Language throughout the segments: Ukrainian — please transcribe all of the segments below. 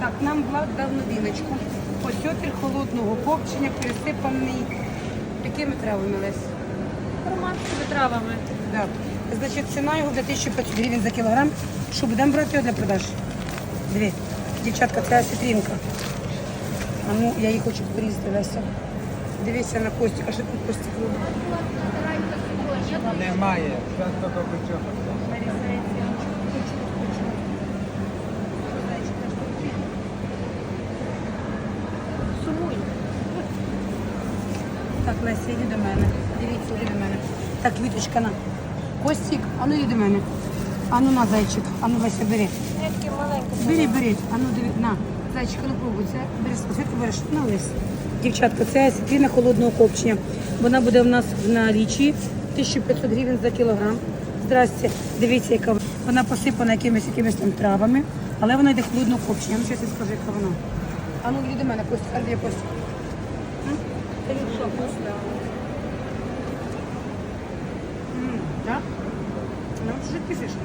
Так, нам Влад дав новиночку. Осьотр холодного копчення, пересипаний якими травами, Лесь? Романськими травами. Да. Значить, ціна його для 1500 гривень за кілограм. Що, будемо брати його для продаж? Дві. Дівчатка, це осетринка. А ну, я її хочу порізати, Леся. Дивися на Костік, а що тут Костік робить? Немає. Зараз тільки бичок. Сумуй. Так, Леся, йди до мене. Дивіться, йди до мене. Так, Віточка, на. Костік, а ну йди до мене. А ну на, зайчик. А ну, Леся, бери. Я такі маленькі. Бери. А ну диви, на. Зайчик, ну пробуй. Це бери, світку береш. На, Леся. Дівчатка, це осетрина холодного копчення. Вона буде в нас в налічі 1500 гривень за кілограм. Здрасте. Дивіться, яка вона посипана якимись там травами, але вона йде холодного копчення. Ну, щось я скажу, яка вона. А ну, йди до мене, Костя, а де Костя? Це він що, вкусно? Да? Ну, вот что ты пишешь?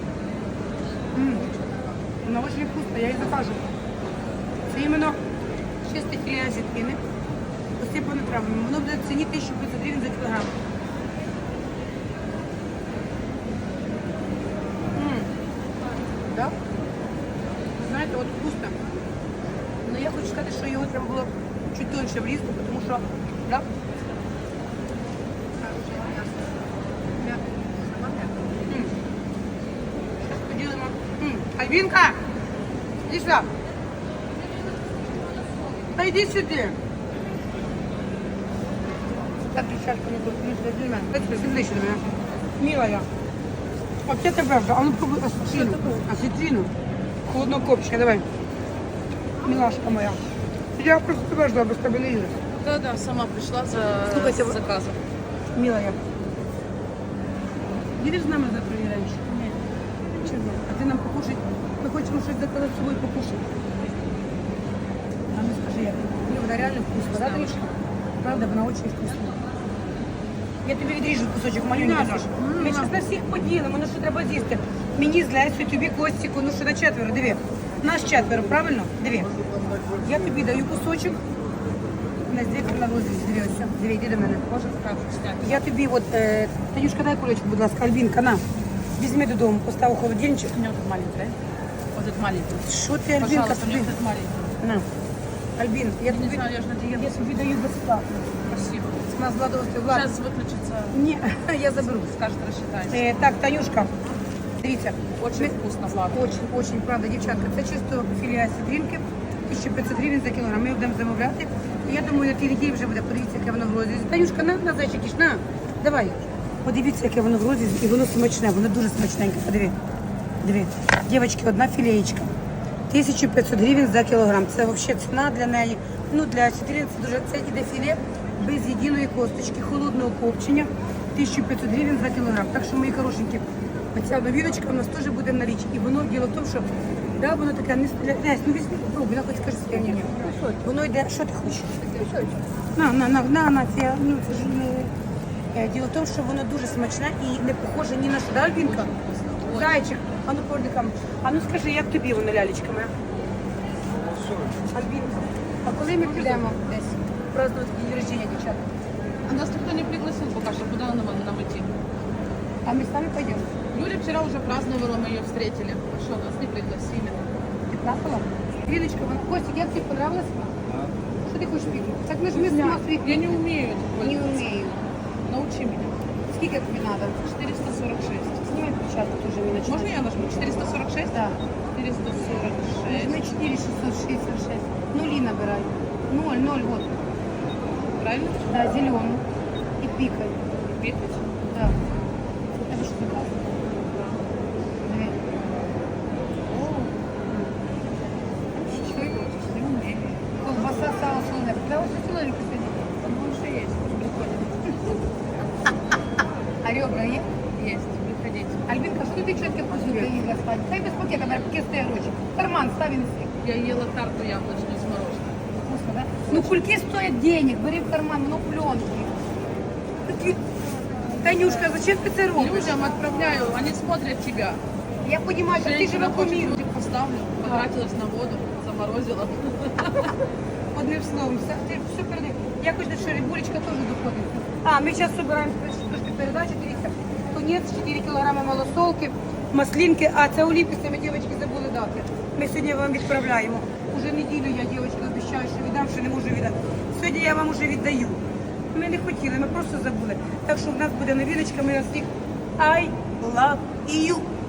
Она очень вкусная, я ее закажу. Це іменно чисте філе осетрини, посипане травами. Воно буде в ціні 1500 гривень за кілограм. Да? Знаєте, от вкусно. Но я хочу сказати, що його треба було чуть тоньше врізати, тому що, да? Поділимо. Альбінка! Іди сюди. Та йди сюди. Так, дівчатка, ну тут, ну сюди, до мене. Дай ближче до мене. Милая. Оце тебе вже, а ну пробуй осетрину. Осетрину. Холодного копчення, давай. Милашка моя. Я просто тебе ждала, без тебе не їду. Да, сама прийшла Слухайте, за заказом. Милая. Їдеш з нами завтра і раніше? Ні. Чого? А ти нам покушать? Ми хочемо щось заказати з собою покушати. А ну скажи, як? Ні, вона реально вкусна, да, Трішка? Правда, вона дуже вкусна. Я тобі відріжу кусочок маленький. Ми зараз на всіх поділимо, ну що треба з'їсти. Мені з Лесю, тобі Костіку, ну що на четверо, диви. Нас четверо, правильно? Диви. Я тобі даю кусочок. На здесь на розріз, диви, ось. Диви, йди до мене. Може так зняти. Я тобі от, Танюшка, дай кулечку, будь ласка, Альбінка, на. Візьми додому, постав у холодильничок. У меня вот маленький, да? Вот этот маленький. Що ти, Альбінка, Пожалуйста, тобі? мне вот этот маленький. На. Альбін, я Не тобі, знаю, я же на диете. я тобі даю безплатно. Спасибо. У нас Владовський Влад. Сейчас выключится. Ні, я заберу. Скажет, рассчитаемся. Так, Танюшка, дивіться. Очень вкусно, Влад. Очень, правда, дівчатка. Це чисто філія сідрінки, 1500 гривень за кілограм. Ми його будемо замовляти. І я думаю, на тій неділі вже буде. Подивіться, яке воно в розрізі. Танюшка, на зайчик, іш, на, давай. Подивіться, яке воно в розрізі, і воно смачне, воно дуже смачненьке. Подиви. Диви. Дівчатки, одна філеєчка. 1500 гривень за кілограм. Це взагалі ціна для неї. Ну, для сідрін це дуже, це іде філе без єдиної косточки, холодного копчення. 1500 гривень за кілограм. Так що, мої хорошенькі, оця новіночка у нас теж буде в налічі. І воно діло в тому, що да, воно таке не стріляє. Ну візьми, попробуй, на хоч скажи своє ні. Воно йде, що ти хочеш? На, це, ну, це ж не... Діло в тому, що воно дуже смачне і не похоже ні на що, да, Альбінка? Зайчик, а ну поверни камеру. А ну скажи, як тобі воно, лялечка моя? Альбінка, а коли ми підемо десь празднувати день рождения, дівчата? А нас никто не пригласил пока что. Куда нам идти? А ми самі пойдемо? Юля вчера уже праздновала, мы ее встретили. А что, нас не пригласили? Ти плакала? Ліночка, вона, Костик, як тобі понравилось? Що ти хочеш піти? Так ми ж ми сама світ. Я не умею этим Не пользоваться. вмію. Научи меня. Скільки тобі треба? 446. Сніми початку теж мені Можно починати. я нажму? 446? Да. 446. Візьми 4666. Нулі набирай. 0, вот. Правильно? Да, зелену. І пікай. Пикать? Да. Це тебе що так? Диви. Не умею. Колбаса, сало, солоне. Да, ось солоненько сидить. Ну, уже есть. Приходит. А ребра є? Есть. Приходите. Альбінка, що ти чотки позюка їла спати? Хай без пакета, мене пакет стає гроші. Карман став і неси. Я ела тарту яблочную с мороженым. Вкусно, да? Ну, кульки стоять денег, бери в карман, ну, пленки. Такі... Танюшка, зачем ти це робиш? Людям отправляю, они смотрят тебя. Я понимаю, що ти Женщина живе по хочет, миру. поставлю, потратилась на воду, заморозила. Одним словом, все передай. Я хочу, що рибулечка теж доходить. А, ми зараз збираємо трошки передачі, дивіться. Тунець, 4 кілограми малосолки, маслинки, а це оліписи ми, дівчатки, забули дати. Ми сьогодні вам відправляємо. Уже неділю я, дівчатки, обіцяю, що віддам, що не можу віддати. Сьогодні я вам уже віддаю. Ми не хотіли, ми просто забули. Так що в нас буде новиночка, ми на всіх I love you.